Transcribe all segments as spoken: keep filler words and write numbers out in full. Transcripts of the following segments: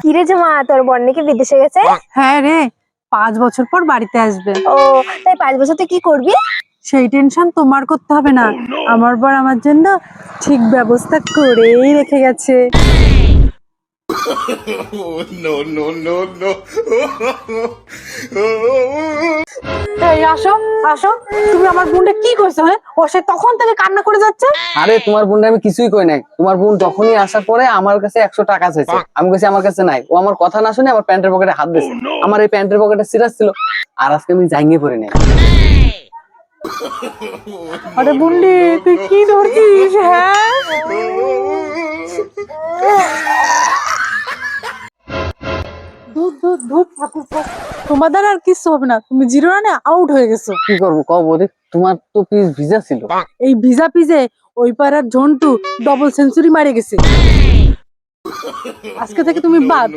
কিরে জামা, তোর বোন নাকি বিদেশে গেছে? হ্যাঁ রে, পাঁচ বছর পর বাড়িতে আসবে। ও তাই পাঁচ বছর তুই কি করবি? সেই টেনশন তোমার করতে হবে না, আমার বর আমার জন্য ঠিক ব্যবস্থা করেই রেখে গেছে। no, no, no, no. এই আসো আসো, তুমি আমার বোনটা কি করছো? হ্যাঁ, ও সে তখন থেকে কান্না করে যাচ্ছে। আরে তোমার বোনটা আমি কিছুই কই নাই। তোমার বোন যখনই আসার পরে আমার কাছে একশো টাকা চাইছে, আমি বলছি আমার কাছে নাই। ও আমার কথা না শুনে আমার প্যান্টের পকেটে হাত দিয়েছে। আমার এই প্যান্টের পকেটে সিরাজ ছিল, আর আজকে আমি জাঙ্গিয়ে পড়ে নাই। আরে বুন্ডি, তুই কি ধরছিস? হ্যাঁ ধুর, ধুর, ধুর, ঠাকুর পো। তোমার দ্বারা আর কিছু হবে না, তুমি জিরো রানে আউট হয়ে গেছো। কি করবো কও বৌদি, তোমার তো পিস ভিজা ছিল। এই ভিজা পিজে ওই পাড়ার ঝন্টু ডবল সেঞ্চুরি মারে গেছে। আজকে থেকে তুমি বাদ।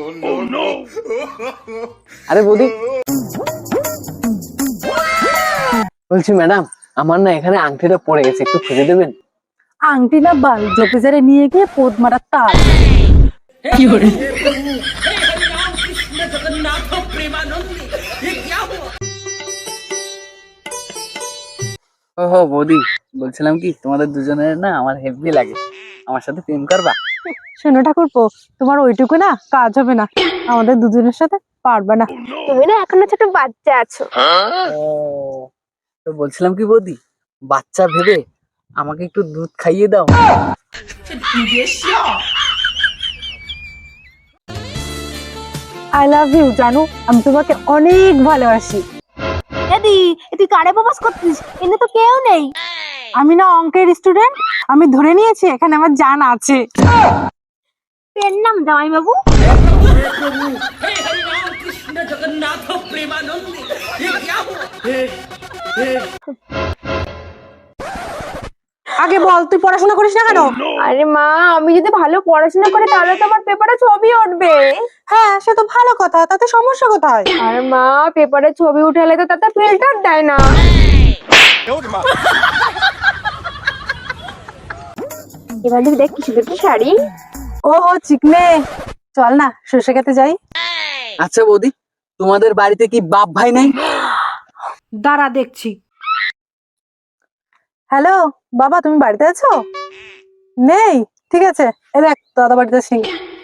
আরে বৌদি, বলছি ম্যাডাম, আমার না এখানে আংটিটা পড়ে গেছে, একটু খুঁজে দেবেন? আংটি না বাল, জপিজারে নিয়ে গিয়ে পোদ মারার তাল। ওহো বৌদি, বলছিলাম কি তোমাদের দুজনের না আমার হেভি লাগে, আমার সাথে প্রেম করবা? শোনো ঠাকুরপো, তোমার ওইটুকু না কাজ হবে না, আমাদের দুজনের সাথে পারবে না। তুমি না এখনো ছোট বাচ্চা আছো। ও, তো বলছিলাম কি বৌদি, বাচ্চা ভেবে আমাকে একটু দুধ খাইয়ে দাও। আই লাভ ইউ জানো, আমি তোমাকে অনেক ভালোবাসি। দাদি, তুই কারে প্রপোজ করছিস? কিন্তু তো কেউ নেই। আমি না অঙ্কের স্টুডেন্ট, আমি ধরে নিয়েছি এখানে আমার জান আছে। পেন নাম জামাই বাবু। আগে বল, তুই পড়াশোনা করিস না কেন? আরে মা, আমি যদি ভালো পড়াশোনা করি তাহলে তো আমার পেপারে ছবি উঠবে। হ্যাঁ সে তো ভালো কথা, তাতে সমস্যা কোথায়? আর মা, পেপারে ছবি উঠালে তো তাতে ফিল্টার দেয় না। এবার দেখি দেখ কি সুন্দর কি শাড়ি। ও হো চিকনে, চল না সরষে খেতে যাই। আচ্ছা বৌদি, তোমাদের বাড়িতে কি বাপ ভাই নাই? দাঁড়া দেখছি। হ্যালো বাবা, তুমি বাড়িতে আছো? নেই, ঠিক আছে, এ দেখ দাদা বাড়িতে আছি।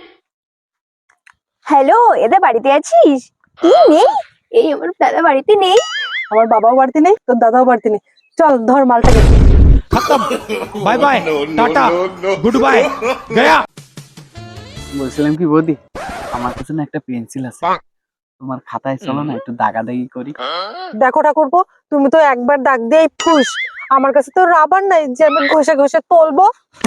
হ্যালো, এদের বাড়িতে আছিস? কি নেই? এই আমার দাদা বাড়িতে নেই। আমার বাবাও বাড়িতে নেই, তোর দাদাও বাড়িতে নেই। চল ধর মালটাকে। Bye bye tata good bye गया। বলছিলাম কি বৌদি, আমার কাছে না একটা পেন্সিল আছে, তোমার খাতায় চলো না একটু দাগাদাগি করি। দেখো ঠাকুরপো, তুমি তো একবার দাগ দিয়েই ফুস, আমার কাছে তো রাবার নাই যে আমি ঘষে ঘষে তুলবো।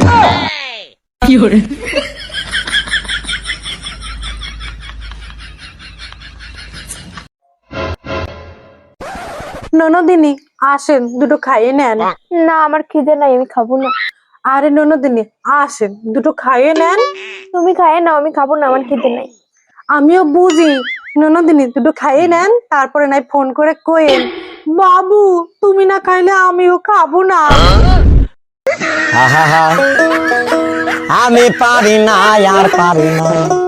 ননদিনী আসেন, দুটো খাইয়ে নেন। না, আমার খিদে নাই, আমি খাবো না। আরে ননদিনী আসেন, দুটো খাইয়ে নেন। তুমি খাইয়ে নাও, আমি খাবো না, আমার খিদে নাই। আমিও বুঝি, ননদিনী দুটো খাইয়ে নেন, তারপরে নাই ফোন করে কইেন বাবু তুমি না খাইলে আমিও খাবো না। আমি পারি না আর পারি না।